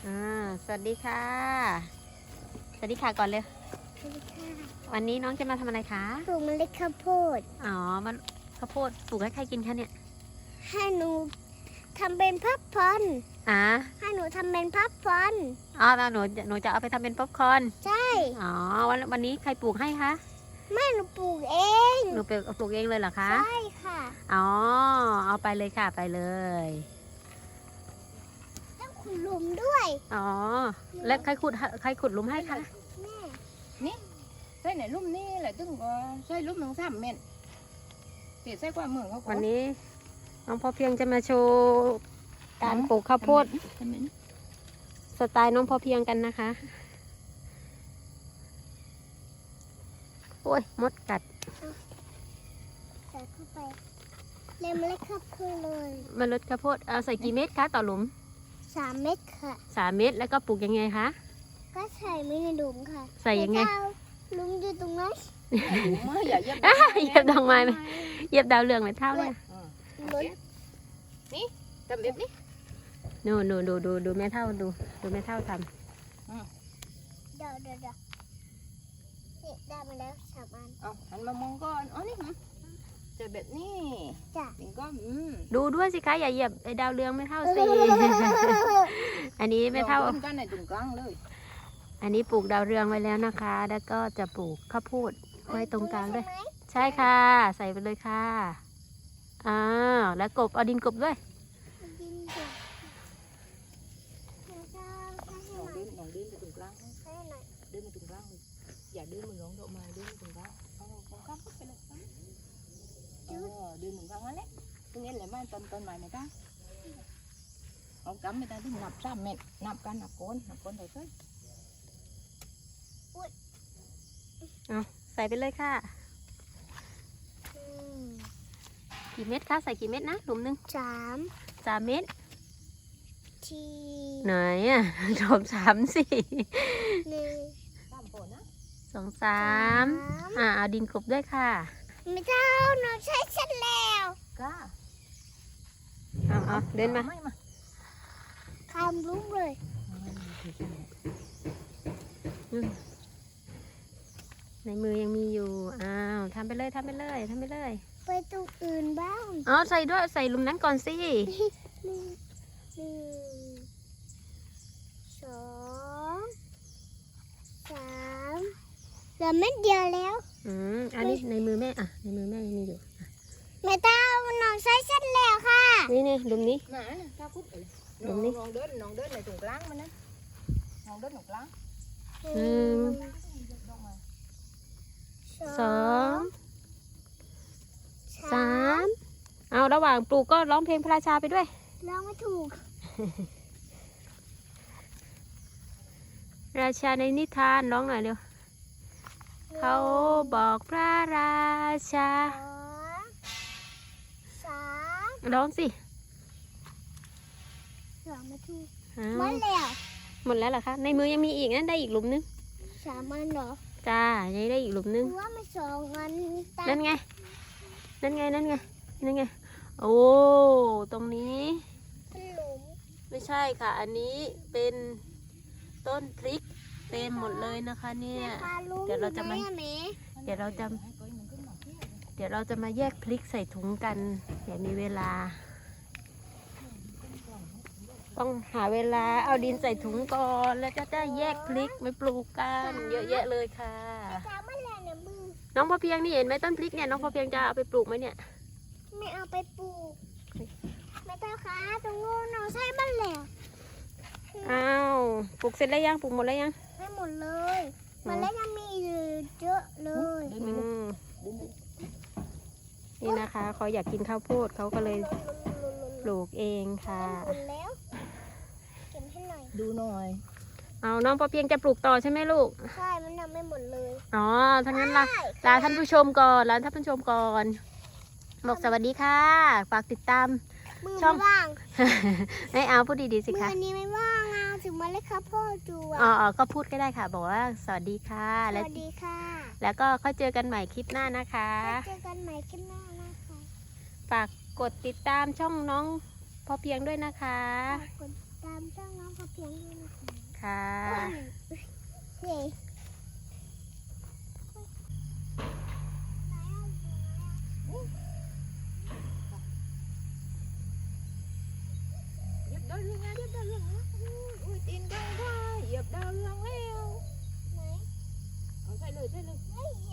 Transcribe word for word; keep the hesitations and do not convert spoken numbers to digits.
อ่าสวัสดีค่ะสวัสดีค่ะก่อนเลยสวัสดีค่ะวันนี้น้องจะมาทำอะไรคะปลูกเมล็ดข้าวโพดอ๋อมันข้าวโพดปลูกให้ใครกินคะเนี่ยให้หนูทำเป็นพับพอนอ่าให้หนูทำเป็นพับพอนอ๋อแล้วหนูหนูจะเอาไปทำเป็นป๊อปคอร์นใช่อ๋อวันวันนี้ใครปลูกให้คะแม่หนูปลูกเองหนูปลูกปลูกเองเลยเหรอคะใช่ค่ะอ๋อเอาไปเลยค่ะไปเลยต้องขุดหลุมด้วยอ๋อแล้วใครขุดใครขุดหลุมให้คะแม่นี่ใส่ในลุ่มนี่แหละตึงก็ใส่ลุ่มหนึ่งสามเมตรเดี๋ยวใส่ความเหมือนเขาก่อวันนี้น้องพอเพียงจะมาโชว์การปลูกข้าวโพดสไตล์น้องพอเพียงกันนะคะโอ้ยมดกัดใส่เข้าไปเล็มเมล็ดข้าวโพดเลยเมล็ดข้าวโพดเอาใส่กี่เม็ดคะต่อหลุมสามเม็ดค่ะสามเม็ดแล้วก็ปลูกยังไงคะก็ใส่ไม่ในหลุมค่ะใส่ยังไงหลุมอยู่ตรงนั้นไม่อย่าเย็บเหยียบดอกไม้ไหมเหยียบดาวเรืองไหมเท่าเลยนี่ทำแบบนี้ดูดูดูดูดูแม่เท่าดูดูแม่เท่าทเดี๋ยวเดี๋ยวเดี๋ยวนี่ได้มาแล้วสามอันเอาหันมามองก่อนอ๋อนี่จะแบบนี้จ้ะถึงก็อืมำดูด้วยสิคะอย่าเหยียบไอ้ดาวเรืองไม่เท่าสิ อันนี้ไม่เท่ากันในตรงกลางเลยอันนี้ปลูกดาวเรืองไว้แล้วนะคะ แล้วก็จะปลูกข้าวโพดไว้ตรงกลางด้วย ใช่ค่ะ ใส่ไปเลยค่ะอ้าวแล้วกบเอาดินกบด้วยดินจ้ะแล้วก็ให้ให้น้องหน่อยเดินน้องเดินไปตรงกลางให้หน่อยเดินไปตรงกลางอย่าเดินมันร้องดอกไม้เดินไปตรงกลางเอาตรงกลางไปเลยเออเดินตรงกลางนั่นแหละตรงนี้แหละไม้ต้นต้นไม้ไหมจ๊ะเอากำไม่ได้ที่นับสามเมตรนับกันนับโคนนับโคนเท่าไหร่ใส่ไปเลยค่ะอืมกี่เม็ดคะใส่กี่เม็ดนะหลุมหนึ่งสามสามเม็ดทีไหนอ่ะ รวมสามสี่หนึ่งสามคนนะสองสามอ่าเอาดินกบด้วยค่ะไม่เท่าหนูใช้เสร็จแล้วก้าเอาเอาเดินมาไม่มาคำลุ้มเลยอืมในมือยังมีอยู่ อ้าวทำไปเลยทำไปเลยทำไปเลยไปตรงอื่นบ้างอ๋อใส่ด้วยใส่หลุมนั้นก่อนสิหนึ่งหนึ่งสองสามเหลือเม็ดเดียวแล้วอืมอันนี้ในมือแม่อ่ะในมือแม่ยังมีอยู่ไม่เท่าหนูใช้เสร็จแล้วค่ะนี่นี่หลุมนี้ไหนน่ะก้าคุดเอ้ยตรงนี้น้องเดินน้องเดินในตรงกลางมันนะน้องเดินตรงกลางหนึ่งสองสามเอาระหว่างปลูกก็ร้องเพลงพระราชาไปด้วยร้องไม่ถูกราชาในนิทานร้องหน่อยเร็วเขาบอกพระราชาสองสามร้องสิร้องไม่ถูกอ้าหมวดแล้วหมดแล้วเหรอคะในมือยังมีอีกนะได้อีกหลุมนึงสามอันเหรอจ้ายังได้อีกหลุมนึงว่าไม่สองอันตานั่นไง นั่นไง นั่นไง นั่นไง โอ้ ตรงนี้เป็นหลุมไม่ใช่ค่ะ อันนี้เป็นต้นพริกเต็มหมดเลยนะคะเนี่ยปลาลุงเดี๋ยวเราจะมาอยู่ไหนอแม่เดี๋ยวเราจะ เดี๋ยวเราจะมาแยกพริกใส่ถุงกันเดี๋ยวมีเวลา ต้องหาเวลาเอาดินใส่ถุงก่อนแล้วก็จะแยกพริกไปปลูกกันเยอะแยะเลยค่ะตาไม่แรงเนี่ยมือน้องพอเพียงนี่เห็นไหมต้นพริกเนี่ยน้องพอเพียงจะเอาไปปลูกไหมเนี่ยไม่เอาไปปลูกไม่ต้องค่ะตรงนู้นเราใช้บ้านแล้วอ้าวปลูกเสร็จแล้วยังปลูกหมดแล้วยังให้หมดเลยมันแล้วยังมีอยู่เยอะเลยอืมนี่นะคะเขาอยากกินข้าวโพดเขาก็เลยปลูกเองค่ะหมดแล้วเก็บให้หน่อยดูหน่อยเอาน้องพอเพียงจะปลูกต่อใช่ไหมลูกใช่มันทำไม่หมดเลยอ๋อทั้างนั้นล่ะใช่ลาท่านผู้ชมก่อนลาท่านผู้ชมก่อนบอกสวัสดีค่ะฝากติดตามมือช่องไม่ว่างให้เอาพูดดีๆสิมืคะอนี้ไม่ว่างอ่ะถึงมาเลยครับพ่อจูอ๋ออ่ะอ๋อก็พูดก็ได้ค่ะ บอกว่าสวัสดีค่ะสแล้ววัสดีค่ะแล้วก็ค่อยเจอกันใหม่คลิปหน้านะคะเจอกันใหม่คลิปหน้านะคะฝากกดติดตามช่องน้องพอเพียงด้วยนะคะฝากกดติดตามช่องน้องกระเพียงด้วยนะคะค่ะนี่เหยียบดาวเรืองนะเหยียบดาวเรืองนะอุ้ยตีนกว้างกว่าเหยียบดาวเรืองแล้วไหนเอาใส่เลยใส่เลยไม่เหยี